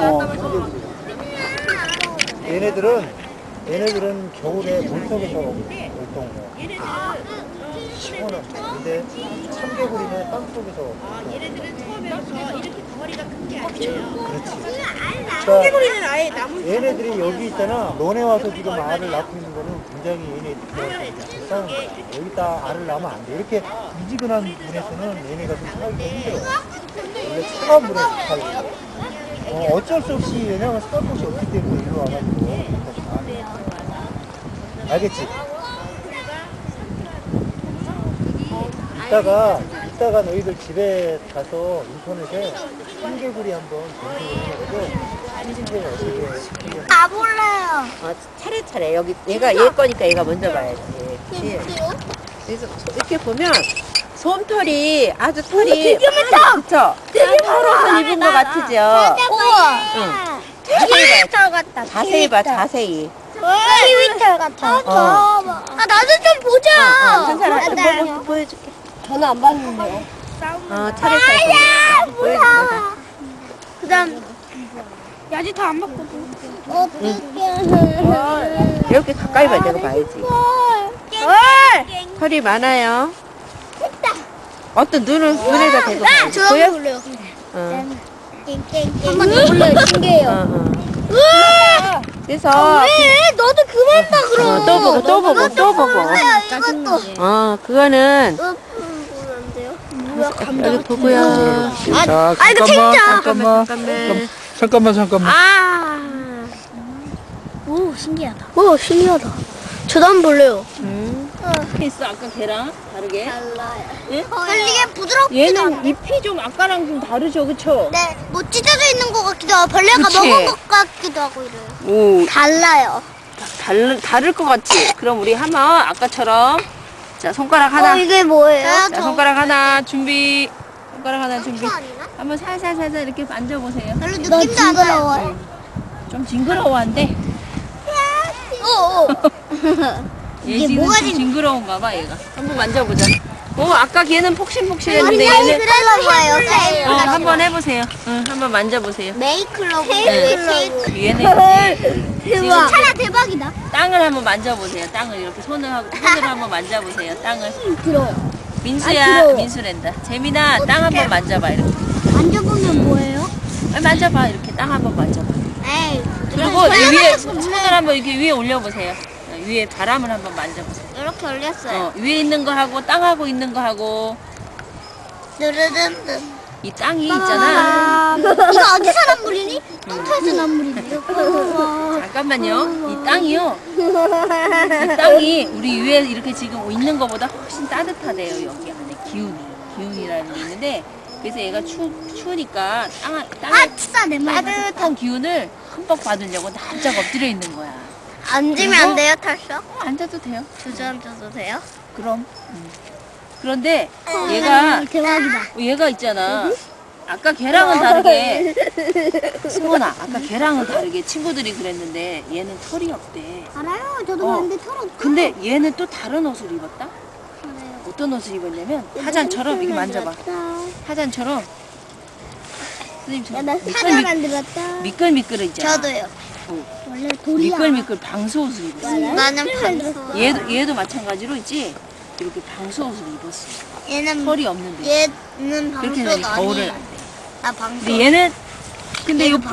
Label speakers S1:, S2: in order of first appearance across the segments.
S1: 얘네들은 겨울에 물속에서 활동해요. 시원한. 근데 참개구리는 땅속에서.
S2: 얘네들은 처음에서 이렇게 덩어리가 큰 게 아니에요.
S1: 그렇지.
S2: 참개구리는 아예 나무.
S1: 얘네들이 여기 있잖아. 너네 와서 지금 알을 낳고 있는 거는 굉장히 얘네들 불쌍한 거야. 여기다 알을 낳으면 안 돼. 이렇게 미지근한 물에서는 얘네가 좀 살기가 힘들어. 원래 차가운 물에서 살고. 어쩔 수 없이 왜냐면 쌀 곳이 없기 때문에 일로 와가지고. 알겠지? 이따가 너희들 집에 가서 인터넷에 참개구리 한번 검색을 해가지고 어떻게
S3: 가볼래요.
S2: 차례차례 여기 얘가 얘 거니까 얘가 먼저 봐야지. 그래서 이렇게 보면 솜털이 아주 털이
S3: 되게 많다.
S2: 그쵸? 되게 털옷을 입은 것 같으죠?
S3: 우와.
S2: 응.
S3: 키위털 같다.
S2: 자세히 봐, 자세히.
S3: 키위털 같아. 나도 좀 보자.
S2: 괜찮아. 보여줄게.
S3: 저는 안 봤는데요.
S2: 차례차례 보여줄게.
S3: 그 다음 야지 다 안 봤거든.
S2: 이렇게 가까이 봐, 내가 봐야지. 털이 많아요. 어떤 눈에다 대고 봐야지. 보여?
S3: 볼래요.
S2: 한번
S3: 더 볼래요. 신기해요.
S2: 그래서
S3: 왜? 너도 그만 봐 그럼.
S2: 또 보고.
S3: 이것도.
S2: 그거는 여기 보고요.
S1: 자,
S3: 이거 진짜.
S1: 잠깐만.
S3: 오 신기하다. 저도 한번 볼래요.
S2: 있어 아까 걔랑 다르게.
S3: 달라요.
S2: 응?
S3: 이게 부드럽지도
S2: 얘는 잎이 좀 아까랑 좀 다르죠, 그쵸?
S3: 네, 뭐 찢어져 있는 것 같기도 하고 벌레가
S2: 그치?
S3: 먹은 것 같기도 하고 이래요.
S2: 오,
S3: 달라요.
S2: 다를 것 같지? 그럼 우리 한번 아까처럼 자 손가락 하나.
S3: 이게 뭐예요?
S2: 자 손가락 하나 준비. 손가락 하나 준비.
S3: 아니나?
S2: 한번 살살 이렇게 만져보세요.
S3: 별로 느낌도 안 나요.
S2: 좀 징그러워한데. 얘
S3: 뭐가
S2: 지금 징그러운가 봐 얘가. 한번 만져보자. 아까 걔는 폭신폭신했는데
S3: 아니,
S2: 얘는
S3: 클로버예요.
S2: 한번 해보세요. 응, 한번 만져보세요.
S3: 메이클로버.
S2: 얘는 지금
S3: 차라 대박이다.
S2: 땅을 한번 만져보세요. 땅을 이렇게 손으로 한번 만져보세요. 땅을.
S3: 들어요.
S2: 민수야, 민수랜다. 재민아, 땅 한번 만져봐 이렇게.
S3: 만져보면 뭐예요?
S2: 만져봐 이렇게 땅 한번 만져봐.
S3: 에이.
S2: 그리고 이 위에 손을 한번 이렇게 위에 올려보세요. 위에 바람을 한번 만져보세요.
S3: 이렇게 올렸어요.
S2: 위에 있는 거 하고 땅하고 있는 거 하고
S3: 느르르르.
S2: 이 땅이 있잖아.
S3: 이거 어디서 난 물이니? 똥터에서 난 물이네요.
S2: 잠깐만요. 이 땅이요. 이 땅이 우리 위에 이렇게 지금 있는 거보다 훨씬 따뜻하대요. 여기 안에 기운이라는 게 있는데 그래서 얘가 추우니까 땅에
S3: 진짜 내 말.
S2: 따뜻한 기운을 흠뻑 받으려고 납작 엎드려 있는 거야.
S3: 앉으면 안 돼요, 탈수?
S2: 앉아도 돼요.
S3: 주저앉아도 돼요?
S2: 그럼. 그런데 얘가
S3: 대박이다.
S2: 얘가 있잖아. 아까 걔랑은 다르게 승원아 아까 걔랑은 다르게 친구들이 그랬는데 얘는 털이 없대.
S3: 알아요. 저도 봤는데 털 없어.
S2: 근데 얘는 또 다른 옷을 입었다? 어떤 옷을 입었냐면 화잔처럼 이렇게 만져봐. 화잔처럼 선생님처럼
S3: 나 사자 만들었다.
S2: 미끌미끌 있잖아.
S3: 저도요. 원래 돌이야.
S2: 미끌미끌 방수옷을 입었어.
S3: 나는 방수.
S2: 얘도 마찬가지로 있지. 이렇게 방수옷을 입었어.
S3: 얘는
S2: 털이 없는데.
S3: 얘는
S2: 그렇게
S3: 방수
S2: 되니 겨울을
S3: 아니에요.
S2: 안 돼.
S3: 나 방수.
S2: 근데 얘는 근데 이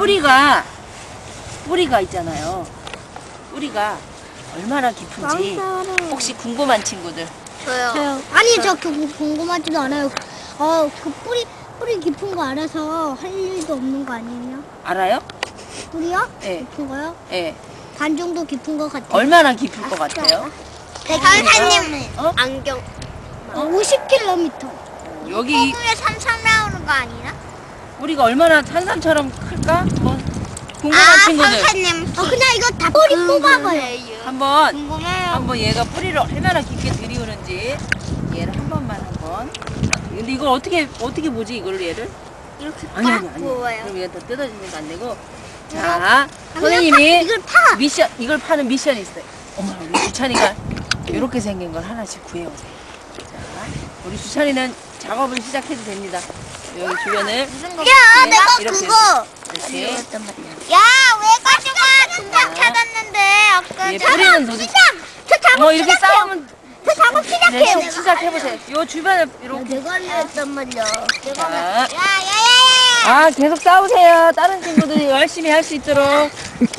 S2: 뿌리가 있잖아요. 뿌리가 얼마나 깊은지 혹시 궁금한 친구들?
S3: 저요. 아니 저 궁금하지도 않아요. 그 뿌리 깊은 거 알아서 할 일도 없는 거 아니에요?
S2: 알아요?
S3: 뿌리요?
S2: 예.
S3: 깊은 거요?
S2: 예.
S3: 반 정도 깊은 거 같아요.
S2: 얼마나 깊을 것 같아요?
S3: 강사님
S2: 어?
S3: 안경 50km.
S2: 여기
S3: 에 삼삼 나오는 거 아니나?
S2: 뿌리가 얼마나 산삼처럼 클까? 궁금한 친구들
S3: 선생님. 그냥 이거 다 뿌리 뽑아봐요.
S2: 한번 얘가 뿌리를 얼마나 깊게 들이우는지 얘를 한 번만 근데 이걸 어떻게 보지 이걸 얘를?
S3: 이렇게
S2: 아니
S3: 뽑아요.
S2: 그럼 얘가 더 뜯어지는 거 안 되고 자 선생님이
S3: 이걸 파.
S2: 이걸 파는 미션이 있어요. 어머 우리 주찬이가 이렇게 생긴 걸 하나씩 구해오세요. 자 우리 주찬이는 작업을 시작해도 됩니다. 여기 주변을
S3: 야, 내가
S2: 이렇게
S3: 그거
S2: 이렇게.
S3: 야, 왜 가져가? 금방 찾았는데 아까.
S2: 얘 뿌리는 도대체.
S3: 저 작업
S2: 이렇게 싸우면.
S3: 저 작업
S2: 네,
S3: 시작해요.
S2: 시작해보세요. 요 주변에 이렇게.
S3: 내가 했단 말이야.
S2: 자.
S3: 야야야야.
S2: 아, 계속 싸우세요. 다른 친구들이 열심히 할 수 있도록.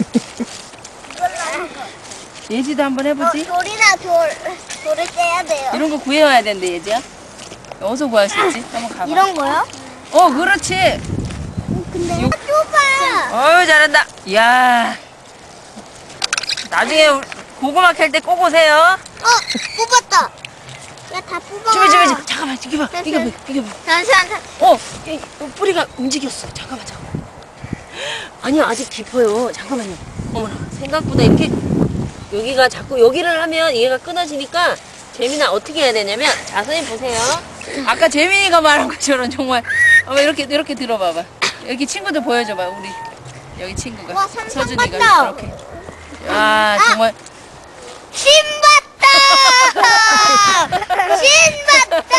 S2: 예지도 한번 해보지.
S3: 돌이나 돌을 떼야 돼요.
S2: 이런 거 구해와야 되는데, 예지야. 어디서 구할 수 있지? 한번 가봐.
S3: 이런 거요?
S2: 그렇지.
S3: 근데 좁아.
S2: 어유 잘한다. 이야. 나중에 고구마 캘 때 꼭 오세요.
S3: 뽑았다. 야, 다 뽑아.
S2: 주비. 잠깐만, 비켜봐.
S3: 잠시만.
S2: 뿌리가 움직였어. 잠깐만. 아니요, 아직 깊어요. 잠깐만요. 어머나, 생각보다 이렇게 여기가 자꾸 여기를 하면 얘가 끊어지니까 재민아 어떻게 해야 되냐면, 자, 선생님 보세요. 아까 재민이가 말한 것처럼 정말 이렇게 들어봐봐. 여기 친구들 보여줘봐. 우리 여기 친구가
S3: 와, 삼성
S2: 서준이가
S3: 같다.
S2: 이렇게. 야, 정말.
S3: 신봤다.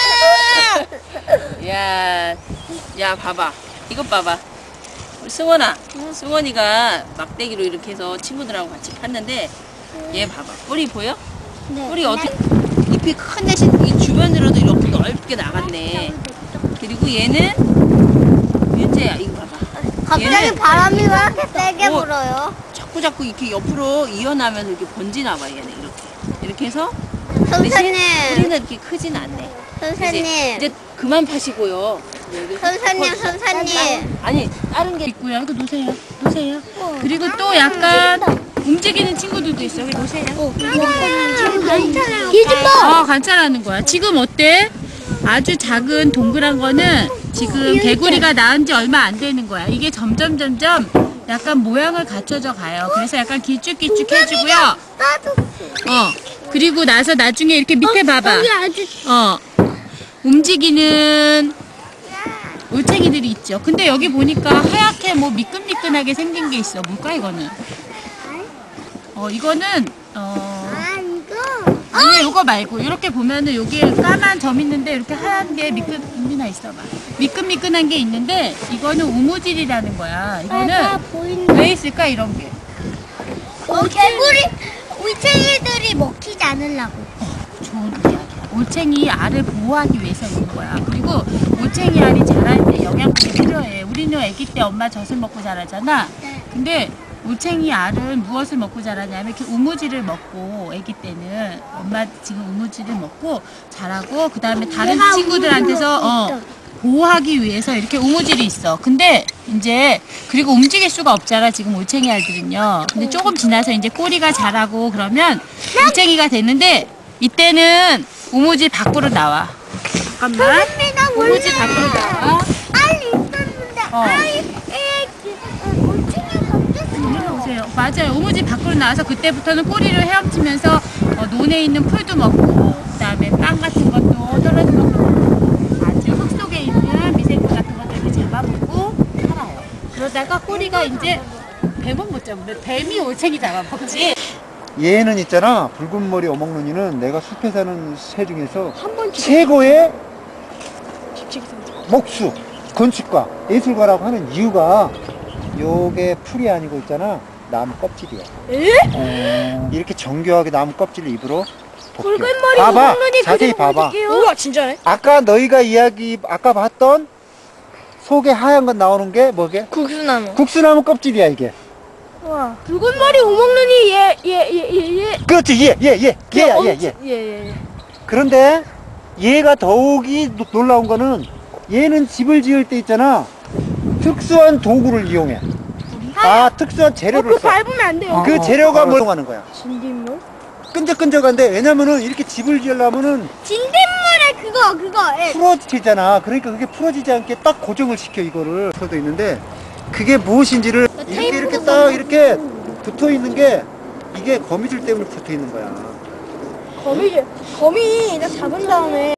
S2: 야, 봐봐. 이것 봐봐. 우리 승원이가 막대기로 이렇게 해서 친구들하고 같이 팠는데, 얘 봐봐. 뿌리 보여?
S3: 네.
S2: 뿌리 어떻게, 잎이 큰 대신 이 주변으로도 이렇게 넓게 나갔네. 그리고 얘는, 윤재야, 이거 봐봐.
S3: 갑자기
S2: 얘는
S3: 바람이 왜 이렇게 세게
S2: 어,
S3: 불어요?
S2: 자꾸 이렇게 옆으로 이어나면서 이렇게 번지나 봐, 얘는 이렇게. 이렇게 해서.
S3: 선생님.
S2: 뿌리는 이렇게 크진 않네.
S3: 선생님.
S2: 이제 그만 파시고요. 여기
S3: 선생님.
S2: 아니, 다른 게 있고요. 이거 놓으세요. 그리고 또 약간 움직이는 친구들도 있어. 여기 놓으세요.
S3: 뒤집어.
S2: 관찰하는 거야. 지금 어때? 아주 작은 동그란 거는 지금 개구리가 낳은 지 얼마 안 되는 거야. 이게 점점 약간 모양을 갖춰져 가요. 그래서 약간 길쭉길쭉 해주고요.
S3: 나도.
S2: 그리고 나서 나중에 이렇게 밑에 봐봐.
S3: 여기 아주.
S2: 움직이는 올챙이들이 있죠. 근데 여기 보니까 하얗게 뭐 미끈미끈하게 생긴 게 있어. 뭘까 이거는? 이거는
S3: 이거.
S2: 아니 이거 말고 이렇게 보면은 여기에 까만 점 있는데 이렇게 하얀 게 민준아 있어봐. 미끈미끈한 게 있는데 이거는 우무질이라는 거야. 이거는
S3: 보인다.
S2: 왜 있을까 이런 게?
S3: 개구리 울챙이들이 먹히지 않으려고.
S2: 좋은 이야기야. 올챙이 알을 보호하기 위해서 있는 거야. 그리고 올챙이 알이 자랄 때 영양분이 필요해. 우리는 아기 때 엄마 젖을 먹고 자라잖아. 근데 올챙이 알은 무엇을 먹고 자라냐면 이렇게 우무지를 먹고 아기 때는 엄마 지금 우무지를 먹고 자라고 그 다음에 다른 친구들한테서 보호하기 위해서 이렇게 우무질이 있어. 근데 이제 그리고 움직일 수가 없잖아 지금 올챙이 알들은요. 근데 조금 지나서 이제 꼬리가 자라고 그러면 올챙이가 되는데 이때는 우무질 밖으로 나와. 잠깐만. 우무질 밖으로 나와.
S3: 알이 있었는데
S2: 오세요. 맞아요. 우무질 밖으로 나와서 그때부터는 꼬리를 헤엄치면서 논에 있는 풀도 먹고 그다음에 빵 같은 것도 떨어진 것도 먹고 아주 흙 속에 있는 미생물 같은 것도 이렇게 잡아먹고 살아요. 그러다가 꼬리가 이제 뱀은 못 잡는데 뱀이 올챙이 잡아먹지.
S1: 얘는 있잖아, 붉은 머리 어묵눈이는 내가 숲에 사는 새 중에서 최고의 목수, 건축가, 예술가라고 하는 이유가 요게 풀이 아니고 있잖아, 나무 껍질이야. 이렇게 정교하게 나무 껍질을 입으로 벗겨. 봐봐, 자세히 봐봐.
S3: 우와, 진짜네.
S1: 아까 너희가 아까 봤던 속에 하얀 건 나오는 게 뭐게?
S3: 국수나무.
S1: 국수나무 껍질이야 이게.
S3: 우와. 붉은 머리 오목눈이 얘.
S1: 그렇지, 얘. 그런데 얘가 더욱이 놀라운 거는 얘는 집을 지을 때 있잖아, 특수한 도구를 이용해. 특수한 재료를 써.
S3: 밟으면 안 돼요.
S1: 그 재료가 뭘 하는 거야?
S3: 진딧물?
S1: 끈적끈적한데, 왜냐면은 이렇게 집을 지으려면은
S3: 진딧물에 그거. 예.
S1: 풀어지잖아. 그러니까 그게 풀어지지 않게 딱 고정을 시켜, 이거를. 서도 있는데 그게 무엇인지를 이렇게 딱 이렇게 붙어 있는 게, 이게 거미줄 때문에 붙어 있는 거야.
S3: 거미 나 잡은 다음에